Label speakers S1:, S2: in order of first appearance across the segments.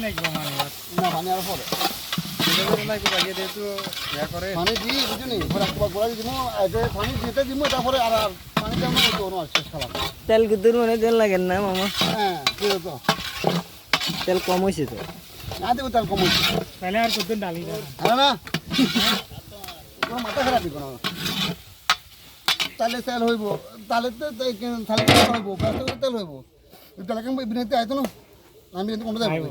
S1: লাগবে মানে
S2: না পানি আর পরে
S1: লাগবে আগে যেহেতু ইয়া করে
S2: পানি দিই বুঝলি পরে একবার গোড়া দিব আগে পানি দিতে দিব তারপরে আর পানি দেব না তো আর শেষ খাবার
S3: তেল কুদুর মানে তেল লাগে না মামা
S2: হ্যাঁ কি তো
S3: তেল কম হয়েছে তো
S2: না দেব তার কম হচ্ছে
S1: তাহলে আর কত ডালি না
S2: হ্যাঁ না তোমার মাথা খারাপ দিও না তাহলে তেল হইব তাহলে তো তাহলে তেল হইব তাহলে তেল হইব তাহলে কেমন বিনাইতে আইতো না আমি কিন্তু কোনটা দেব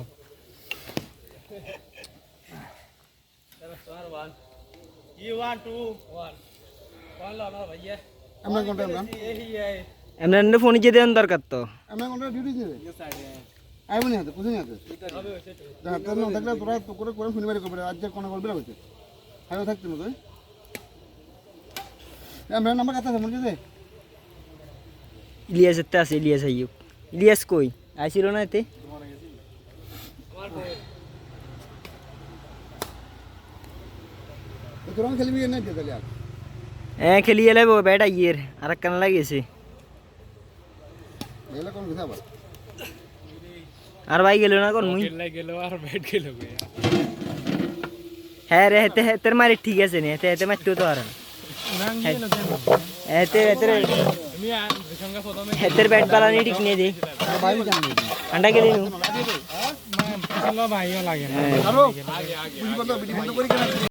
S2: আমরা কোনটা আমরা
S3: এমনি ফোন যে দেন দরকার তো
S2: আমরা কোনটা ডিউটি দিবে আইবনি হাতে বুঝুনি হাতে হ্যাঁ তোর না থাকলে তোরা তো করে করে শুনিবারই করবে আজ যে কোনা করবে হইছে হাইও থাকতে না তুই আমরা নাম্বার কত আছে মনে আছে
S3: ইলিয়াসের তে আছে ইলিয়াস আইয়ুব ইলিয়াস কই আইছিল না এতে
S2: তোরা খেলবি না দে তাহলে
S3: হ্যাঁ খেলি এলে ব্যাট আইয়ের আর কান লাগিয়েছে
S2: এলা কোন কথা আবার
S3: আর ভাই গেল না কোন মুই
S1: গেল আর ব্যাট গেল
S3: হ্যাঁ রে হেতে হেতের মারি ঠিক আছে নি হেতে হেতে মারতেও তো আর হেতে হেতের
S1: আমি সঙ্গে প্রথমে
S3: হেতের ব্যাট বালানি ঠিক নিয়ে দে
S2: ভাই জানি
S3: আন্ডা গেলি নু
S1: ভাইও লাগে না
S2: আরো বিডি বন্ধ করি কেন